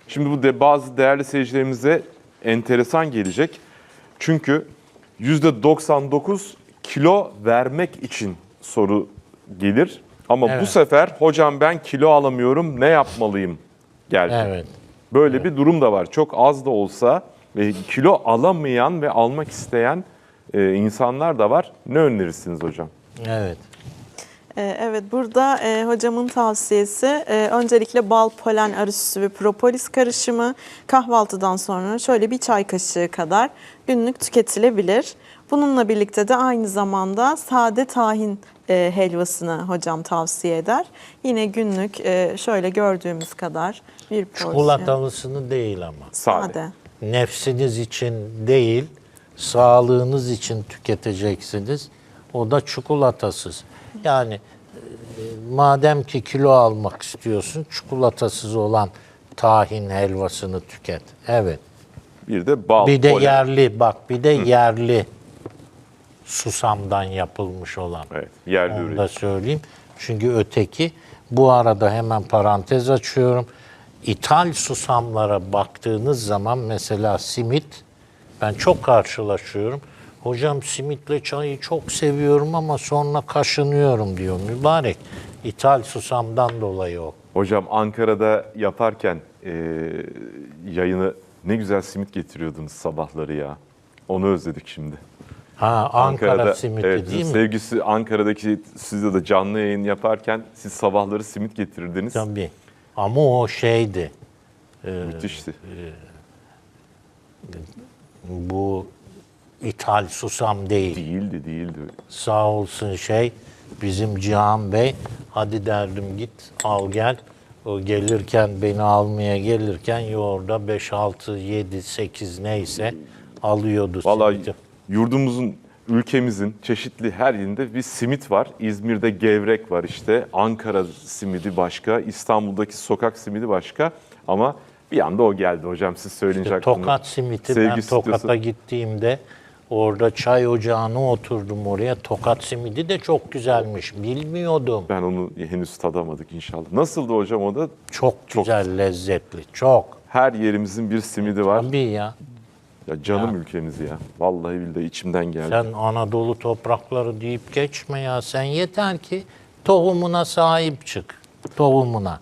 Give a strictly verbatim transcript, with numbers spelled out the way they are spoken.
Şimdi bu de bazı değerli seyircilerimize enteresan gelecek. Çünkü yüzde doksan dokuz kilo vermek için soru gelir. Ama Evet. bu sefer hocam ben kilo alamıyorum, ne yapmalıyım geldi. Evet. Böyle bir durum da var. Çok az da olsa ve kilo alamayan ve almak isteyen e, insanlar da var. Ne önerirsiniz hocam? Evet. Ee, Evet, burada e, hocamın tavsiyesi e, öncelikle bal, polen arı ve propolis karışımı kahvaltıdan sonra şöyle bir çay kaşığı kadar günlük tüketilebilir. Bununla birlikte de aynı zamanda sade tahin e, helvasını hocam tavsiye eder. Yine günlük e, şöyle gördüğümüz kadar bir porsiyon. Çikolatalısını değil ama. Sade. Sade. Nefsiniz için değil, sağlığınız için tüketeceksiniz. O da çikolatasız. Yani e, madem ki kilo almak istiyorsun, çikolatasız olan tahin helvasını tüket. Evet. Bir de bal, Bir de polen. yerli, bak bir de yerli susamdan yapılmış olan. Evet, yerli Onu üretim. da söyleyeyim. Çünkü öteki, bu arada hemen parantez açıyorum. İthal susamlara baktığınız zaman mesela simit, ben çok karşılaşıyorum. Hocam simitle çayı çok seviyorum ama sonra kaşınıyorum diyor. Mübarek. İthal susamdan dolayı o. Hocam Ankara'da yaparken e, yayını ne güzel simit getiriyordunuz sabahları ya. Onu özledik şimdi. Ha, Ankara simiti evet, değil mi? Sevgisi Ankara'daki sizde de canlı yayın yaparken siz sabahları simit getirirdiniz. Tabii. Ama o şeydi. Müthişti. Bu ithal susam değil. Değildi, değildi. Sağ olsun şey bizim Cihan Bey, hadi derdim git al gel. O gelirken, beni almaya gelirken yoğurda beş, altı, yedi, sekiz neyse alıyordu Vallahi simidi. yurdumuzun, ülkemizin çeşitli her yerinde bir simit var. İzmir'de gevrek var işte. Ankara simidi başka, İstanbul'daki sokak simidi başka. Ama bir anda o geldi hocam, siz söyleyince İşte aklıma. Tokat simiti, Sevgi ben Tokat'a stüdyosu. gittiğimde orada çay ocağına oturdum oraya. Tokat simidi de çok güzelmiş. Bilmiyordum. Ben onu henüz tadamadık inşallah. Nasıldı hocam o da? Çok Çok. güzel, lezzetli. Çok. Her yerimizin bir simidi var. Tabii ya. Ya canım ülkemiz ya. Vallahi billahi içimden geldi. Sen Anadolu toprakları deyip geçme ya. Sen yeter ki tohumuna sahip çık. Tohumuna.